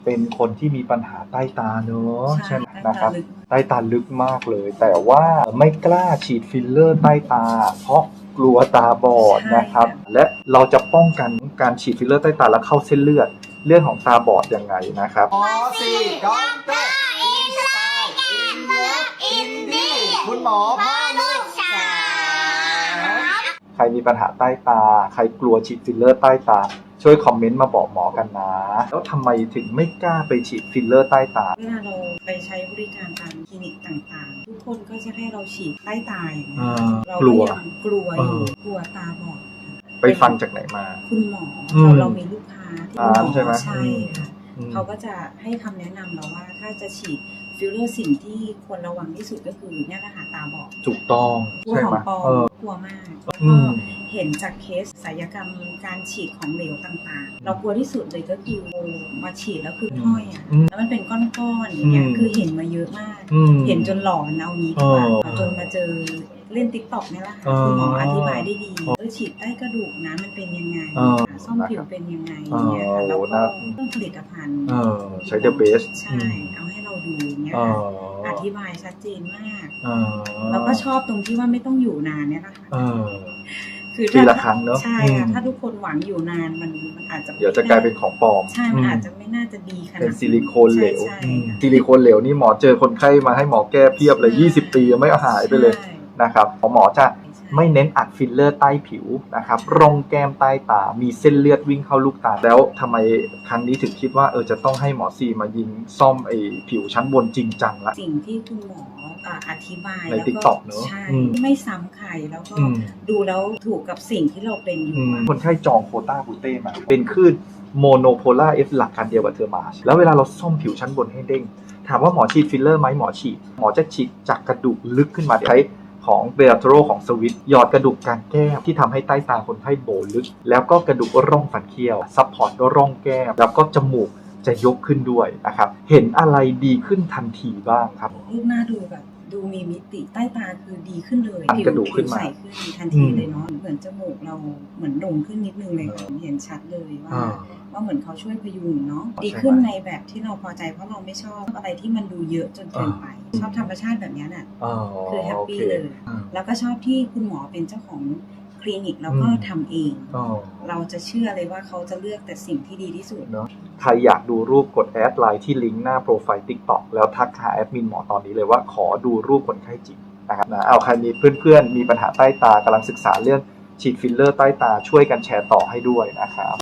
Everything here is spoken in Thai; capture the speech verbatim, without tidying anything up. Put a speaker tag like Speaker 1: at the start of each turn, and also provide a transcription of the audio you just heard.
Speaker 1: เป็นคนที่มีปัญหาใต้ตาเนอะใช่ไหม
Speaker 2: ใช่
Speaker 1: นะครับ
Speaker 2: ใต้ตาลึก
Speaker 1: ใต้ตาลึกมากเลย แต่ว่าไม่กล้าฉีดฟิลเลอร์ใต้ตา เพราะกลัวตาบอด
Speaker 2: ใช่
Speaker 1: นะครับ
Speaker 2: ค่ะ
Speaker 1: และเราจะป้องกันการฉีดฟิลเลอร์ใต้ตาแล้วเข้าเส้นเลือดเรื่องของตาบอดยังไงนะครับ
Speaker 3: หมอสี่ด็อกเตอร์อินสไตล์อินเลิฟอินดี้คุณหมอพ่อลูกสาม
Speaker 1: ใครมีปัญหาใต้ตา ใครกลัวฉีดฟิลเลอร์ใต้ตา ช่วยคอมเมนต์มาบอกหมอกันนะ แล้วทำไมถึงไม่กล้าไปฉีดฟิลเลอร์ใต้ตา
Speaker 2: เวลาเราไปใช้บริการตามคลินิกต่างๆ ทุกคนก็จะให้เราฉีดใต้ตาอย่างเงี้ย
Speaker 1: อ่า
Speaker 2: เรา
Speaker 1: กลัว
Speaker 2: ยังกลัวอยู่
Speaker 1: เออ
Speaker 2: กลัวตาบอด
Speaker 1: ไปฟังจากไหนมา
Speaker 2: คุณหมอ
Speaker 1: อืม
Speaker 2: เราเรามีลูกค้าที่
Speaker 1: อ่า
Speaker 2: หมอ
Speaker 1: ใช่ไหม
Speaker 2: ใช่ค่ะ
Speaker 1: อืม
Speaker 2: เขาก็จะให้คำแนะนำเราว่าถ้าจะฉีดฟิลเลอร์สิ่งที่ควรระวังที่สุดก็คือเนี่ยแหละค่ะตาบอด
Speaker 1: ถูกต้อง
Speaker 2: กลัว
Speaker 1: ใช่
Speaker 2: ขอ
Speaker 1: ไหม
Speaker 2: งปลอ
Speaker 1: เออ
Speaker 2: มกลัวมากแล้ว
Speaker 1: อื
Speaker 2: ก็
Speaker 1: ม
Speaker 2: เห็นจากเคสศัลยกรรมการฉีดของเหลวต่างๆ เรากลัวที่สุดเลยก็คือมาฉีดแล้วคือห้อยอ่ะ
Speaker 1: อืม
Speaker 2: แล้วมันเป็นก้อนๆอย่างเงี้ย
Speaker 1: อืม
Speaker 2: คือเห็นมาเยอะมาก
Speaker 1: อืม
Speaker 2: เห็นจนหลอนเอางี้ดีกว่า
Speaker 1: เออ
Speaker 2: จนมาเจอเล่นติ๊กต็อกเนี่ยแหละค่ะ
Speaker 1: เออ
Speaker 2: คุณหมออธิบายได้ดีเออฉีดใต้กระดูกนะมันเป็นยังไง
Speaker 1: เออ
Speaker 2: ซ่อมผิวเป็นยังไง
Speaker 1: เออ
Speaker 2: เนี่ยค่ะแล้ว
Speaker 1: โอ้
Speaker 2: ก็
Speaker 1: น่า
Speaker 2: เรื่องผลิตภัณฑ์
Speaker 1: เออใช้ The Best
Speaker 2: ใช่ เอาให้เราดูเนี่ย
Speaker 1: เอ
Speaker 2: ค่ะ
Speaker 1: อ
Speaker 2: อธิบายชัดเจนมาก
Speaker 1: เออ
Speaker 2: แล้วก็ชอบตรงที่ว่าไม่ต้องอยู่นานเนี่ยนะคะ
Speaker 1: เออ
Speaker 2: คือ
Speaker 1: ปีละครั้งเนอะ
Speaker 2: ใช่ค่ะ
Speaker 1: อืม
Speaker 2: ถ้าทุกคนหวังอยู่นานมันมันอาจจะ
Speaker 1: เดี๋ยวจะกลายเป็นของปลอม
Speaker 2: ใช่มัน
Speaker 1: อืม
Speaker 2: อาจจะไม่น่าจะดีขนาด
Speaker 1: เป็นซิลิโคนเหลว
Speaker 2: ใช่
Speaker 1: อืม
Speaker 2: ใช่ค่ะ
Speaker 1: ซิลิโคนเหลวนี่หมอเจอคนไข้มาให้หมอแก้เพียบเลย
Speaker 2: ใช่
Speaker 1: ยี่สิบ ปียังไม่หายไปเลย
Speaker 2: ใช่
Speaker 1: นะครับหมอจะ
Speaker 2: ใช่
Speaker 1: ไม่เน้นอัดฟิลเลอร์ใต้ผิวนะครับร่องแก้มใต้ตา มีเส้นเลือดวิ่งเข้าลูกตา แล้วทำไมครั้งนี้ถึงคิดว่าเออจะต้องให้หมอซีมายิงซ่อมไอ้ผิวชั้นบนจริงจังละ
Speaker 2: สิ่งที่คุณหมออ่าอธิบาย
Speaker 1: ใน
Speaker 2: แล้วก็
Speaker 1: TikTok เนอะ
Speaker 2: ใช่
Speaker 1: อืม
Speaker 2: ไม่ซ้ำใครแล้วก็
Speaker 1: อืม
Speaker 2: ดูแล้วถูกกับสิ่งที่เราเป็นอยู่
Speaker 1: อืม
Speaker 2: อะ
Speaker 1: คนไข้จองโควต้าบูเต้มา เป็นคลื่นโมโนโพล่าเอฟหลักการเดียวกับเทอร์มาชแล้วเวลาเราซ่อมผิวชั้นบนให้เด้ง ถามว่าหมอฉีดฟิลเลอร์ไหมหมอฉีด หมอจะฉีดจากกระดูกลึกขึ้นมาใช้ของเบลโทโรของสวิตหยอดกระดูกกลางแก้มที่ทำให้ใต้ตาคนไข้โบลึก แล้วก็กระดูกร่องฟันเคี้ยวซัพพอร์ตร่องแก้มแล้วก็จมูกจะยกขึ้นด้วยนะครับเห็นอะไรดีขึ้นทันทีบ้างครับ
Speaker 2: รูปหน้าดูแบบดูมีมิติใต้ตาคือดีขึ้นเลย
Speaker 1: อันกระดูกขึ้นมา
Speaker 2: ใสขึ้นทันทีเลยเนาะเหมือนจมูกเราเหมือนโด่งขึ้นนิดนึงเลยค่ะเห็นชัดเลยว่า
Speaker 1: อ่า
Speaker 2: ว่าเหมือนเขาช่วยพยุงเนาะ
Speaker 1: ใช่ไหม
Speaker 2: ดีขึ้นในแบบที่เราพอใจเพราะเราไม่ชอบอะไรที่มันดูเยอะจนเกินไป ชอบธรรมชาติแบบนี้น่ะ
Speaker 1: อ๋อ
Speaker 2: คือแฮป
Speaker 1: โอ
Speaker 2: ปี้
Speaker 1: เค
Speaker 2: เลย
Speaker 1: อืม
Speaker 2: แล้วก็ชอบที่คุณหมอเป็นเจ้าของคลินิกแล้วก็
Speaker 1: อืม
Speaker 2: ทำเอง
Speaker 1: อ๋อ
Speaker 2: เราจะเชื่อเลยว่าเขาจะเลือกแต่สิ่งที่ดีที่สุด
Speaker 1: เนาะใครอยากดูรูปกดแอดไลน์ที่ลิงก์หน้าโปรไฟล์ TikTok แล้วทักหาแอดมินหมอตอนนี้เลยว่าขอดูรูปคนไข้จริงนะครับนะเอาใครมีเพื่อนๆ มีปัญหาใต้ตากำลังศึกษาเรื่องฉีดฟิลเลอร์ใต้ตาช่วยกันแชร์ต่อให้ด้วยนะครับ